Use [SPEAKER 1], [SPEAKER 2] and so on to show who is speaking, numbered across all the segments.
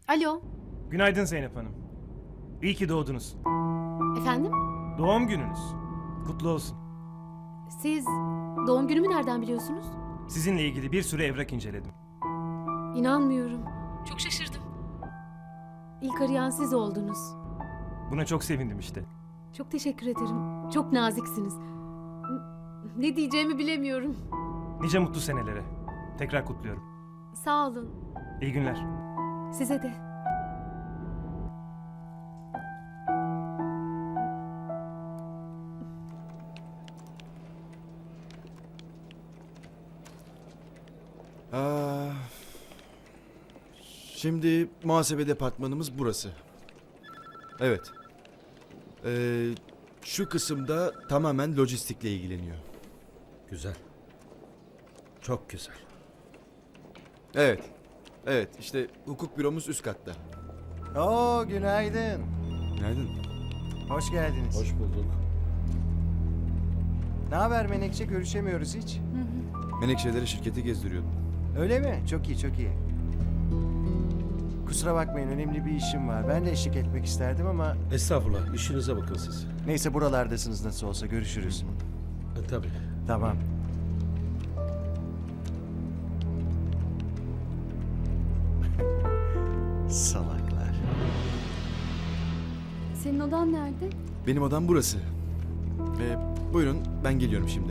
[SPEAKER 1] Alo,
[SPEAKER 2] Günaydın Zeynep Hanım. İyi ki doğdunuz.
[SPEAKER 1] efendim?
[SPEAKER 2] Doğum gününüz. Kutlu olsun.
[SPEAKER 1] Siz doğum günümü nereden biliyorsunuz?
[SPEAKER 2] Sizinle ilgili bir sürü evrak inceledim.
[SPEAKER 1] İnanmıyorum. Çok şaşırdım. İlk arayan siz oldunuz.
[SPEAKER 2] Buna çok sevindim işte.
[SPEAKER 1] Çok teşekkür ederim. Çok naziksiniz. Ne diyeceğimi bilemiyorum.
[SPEAKER 2] Nice mutlu senelere. Tekrar kutluyorum.
[SPEAKER 1] Sağ olun.
[SPEAKER 2] İyi günler.
[SPEAKER 1] Size de.
[SPEAKER 3] Aa, şimdi muhasebe departmanımız burası. Evet. Şu kısımda tamamen lojistikle ilgileniyor.
[SPEAKER 4] Güzel. Çok güzel.
[SPEAKER 3] Evet. Evet, işte hukuk büromuz üst katta.
[SPEAKER 5] Oo, günaydın.
[SPEAKER 3] Günaydın.
[SPEAKER 5] Hoş geldiniz.
[SPEAKER 4] Hoş bulduk.
[SPEAKER 5] Ne haber Menekşe? Görüşemiyoruz hiç.
[SPEAKER 3] Menekşeleri şirketi gezdiriyordum.
[SPEAKER 5] Öyle mi? Çok iyi, çok iyi. Kusura bakmayın, önemli bir işim var. Ben de eşlik etmek isterdim ama...
[SPEAKER 4] Estağfurullah. İşinize bakın siz.
[SPEAKER 5] Neyse, buralardasınız nasıl olsa. Görüşürüz.
[SPEAKER 4] Tabii.
[SPEAKER 5] Tamam. Salaklar.
[SPEAKER 6] Senin odan nerede?
[SPEAKER 3] Benim odam burası. Buyurun, ben geliyorum şimdi.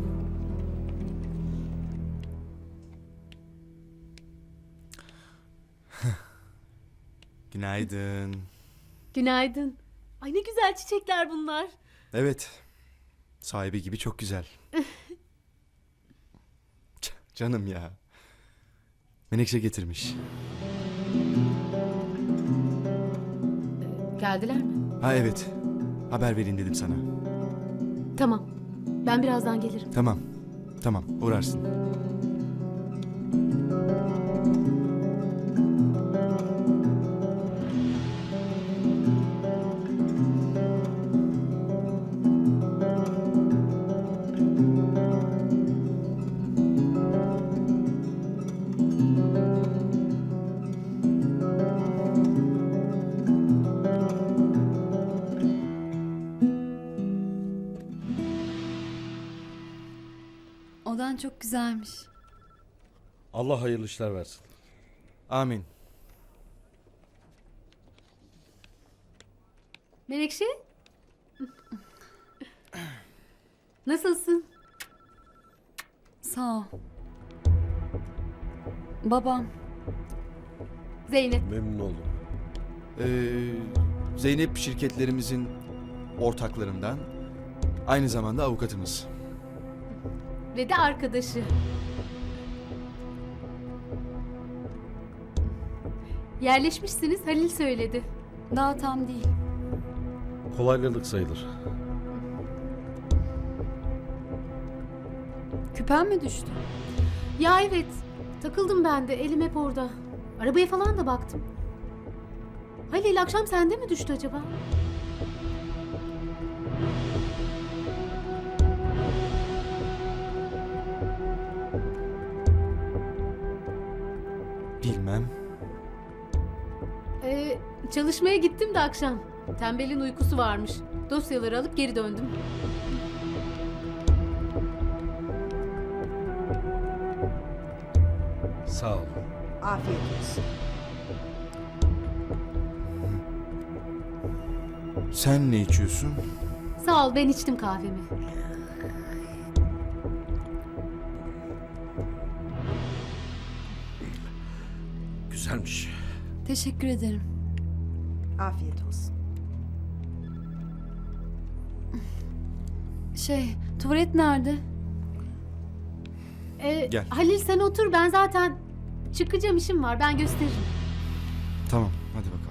[SPEAKER 3] Günaydın.
[SPEAKER 1] Günaydın. Ay ne güzel çiçekler bunlar.
[SPEAKER 3] Evet. Sahibi gibi çok güzel. Canım ya. Menekşe getirmiş.
[SPEAKER 1] Geldiler mi?
[SPEAKER 3] Ha evet. Haber vereyim dedim sana.
[SPEAKER 1] Tamam. Ben birazdan gelirim.
[SPEAKER 3] Tamam. Tamam, uğrarsın.
[SPEAKER 6] Odan çok güzelmiş.
[SPEAKER 4] Allah hayırlı işler versin.
[SPEAKER 3] Amin.
[SPEAKER 1] Menekşe? Nasılsın?
[SPEAKER 6] Sağ ol. Babam.
[SPEAKER 1] Zeynep.
[SPEAKER 4] Memnun oldum.
[SPEAKER 3] Zeynep şirketlerimizin ortaklarından, aynı zamanda avukatımız.
[SPEAKER 1] Ve de arkadaşı. Yerleşmişsiniz, Halil söyledi.
[SPEAKER 6] Daha tam değil.
[SPEAKER 4] Kolaylalık sayılır.
[SPEAKER 6] Küpen mi düştü?
[SPEAKER 1] Ya evet, takıldım ben de, elim hep orada. Arabaya falan da baktım. Halil akşam sende mi düştü acaba?
[SPEAKER 3] Bilmem.
[SPEAKER 1] Çalışmaya gittim de akşam. Tembelin uykusu varmış. Dosyaları alıp geri döndüm.
[SPEAKER 4] Sağ ol.
[SPEAKER 7] Afiyet olsun.
[SPEAKER 3] Sen ne içiyorsun?
[SPEAKER 1] Sağ ol, ben içtim kahvemi.
[SPEAKER 4] Güzelmiş.
[SPEAKER 6] Teşekkür ederim.
[SPEAKER 7] Afiyet olsun.
[SPEAKER 6] Tuvalet nerede?
[SPEAKER 3] Gel.
[SPEAKER 1] Halil sen otur, ben zaten çıkacağım, işim var, ben gösteririm.
[SPEAKER 3] Tamam, hadi bakalım.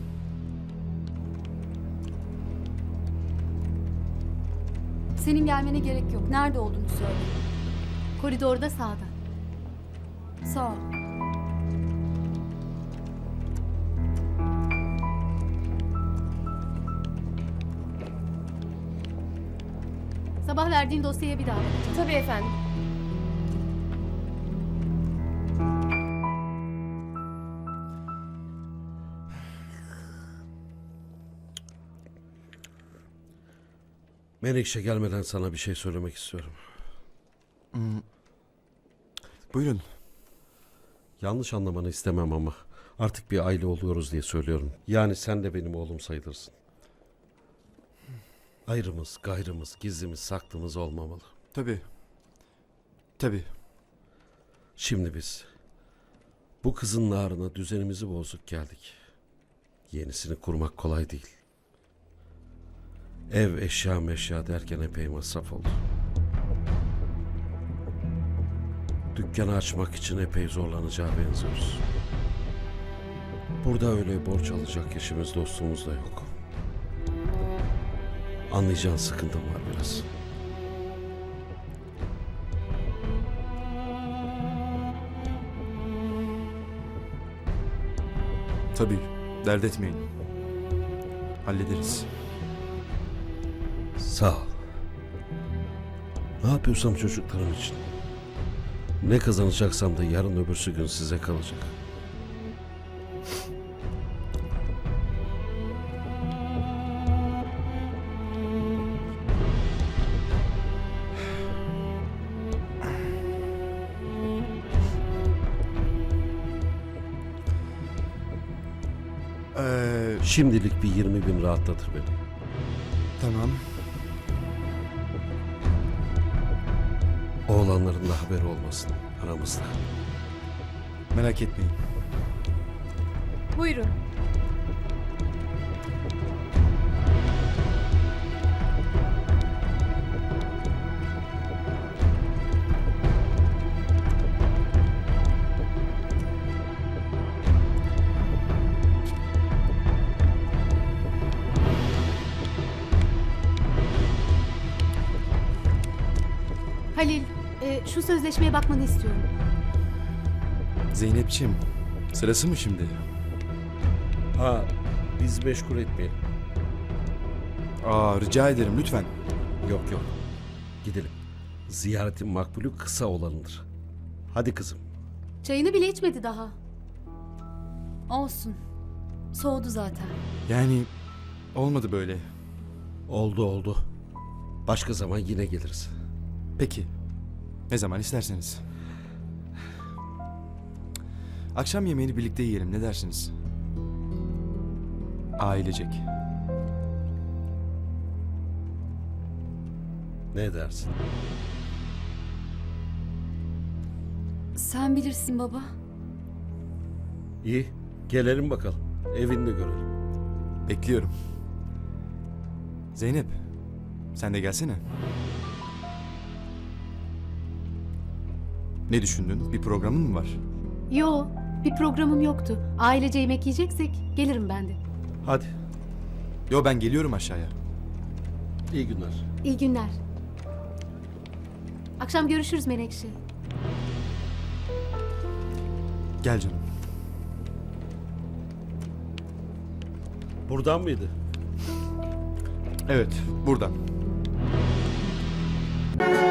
[SPEAKER 6] Senin gelmene gerek yok. Nerede olduğunu söyle.
[SPEAKER 1] Koridorda sağda.
[SPEAKER 6] Sağ ol.
[SPEAKER 1] Sabah verdiğin dosyaya bir daha bakacağım.
[SPEAKER 6] Tabii efendim.
[SPEAKER 4] Menekşe gelmeden sana bir şey söylemek istiyorum.
[SPEAKER 3] Buyurun.
[SPEAKER 4] Yanlış anlamanı istemem ama artık bir aile oluyoruz diye söylüyorum. Yani sen de benim oğlum sayılırsın. Ayrımız, gayrımız, gizlimiz, saklımız olmamalı.
[SPEAKER 3] Tabii. Tabii.
[SPEAKER 4] Şimdi biz bu kızın narına düzenimizi bozduk geldik. Yenisini kurmak kolay değil. Ev, eşya meşya derken epey masraf oldu. Dükkanı açmak için epey zorlanacağı benziyoruz. Burada öyle borç alacak eşimiz dostumuz da yok. Anlayacağın sıkıntım var biraz.
[SPEAKER 3] Tabii. Dert etmeyin. Hallederiz.
[SPEAKER 4] Sağ ol. Ne yapıyorsam çocuklarım için. Ne kazanacaksam da yarın öbürsü gün size kalacak. Şimdilik bir 20 bin rahatlatır beni.
[SPEAKER 3] Tamam.
[SPEAKER 4] Oğlanların da haberi olmasın aramızda.
[SPEAKER 3] Merak etmeyin.
[SPEAKER 7] Buyurun.
[SPEAKER 1] Halil, şu sözleşmeye bakmanı istiyorum.
[SPEAKER 3] Zeynep'ciğim, sırası mı şimdi?
[SPEAKER 4] Ha, biz meşgul etmeyelim.
[SPEAKER 3] Rica ederim lütfen.
[SPEAKER 4] Yok yok. Gidelim. Ziyaretin makbulü kısa olanıdır. Hadi kızım.
[SPEAKER 1] Çayını bile içmedi daha.
[SPEAKER 6] Olsun. Soğudu zaten.
[SPEAKER 3] Yani olmadı böyle.
[SPEAKER 4] Oldu oldu. Başka zaman yine geliriz.
[SPEAKER 3] Peki. Ne zaman isterseniz. Akşam yemeğini birlikte yiyelim, ne dersiniz? Ailecek.
[SPEAKER 4] Ne dersin?
[SPEAKER 6] Sen bilirsin baba.
[SPEAKER 4] İyi. Gelelim bakalım. Evini de görelim.
[SPEAKER 3] Bekliyorum. Zeynep, sen de gelsene. Ne düşündün? Bir programın mı var?
[SPEAKER 1] Yo, bir programım yoktu. Ailece yemek yiyeceksek gelirim ben de.
[SPEAKER 4] Hadi.
[SPEAKER 3] Yo, ben geliyorum aşağıya.
[SPEAKER 4] İyi günler.
[SPEAKER 1] İyi günler. Akşam görüşürüz Menekşe.
[SPEAKER 3] Gel canım.
[SPEAKER 4] Buradan mıydı?
[SPEAKER 3] Evet, buradan.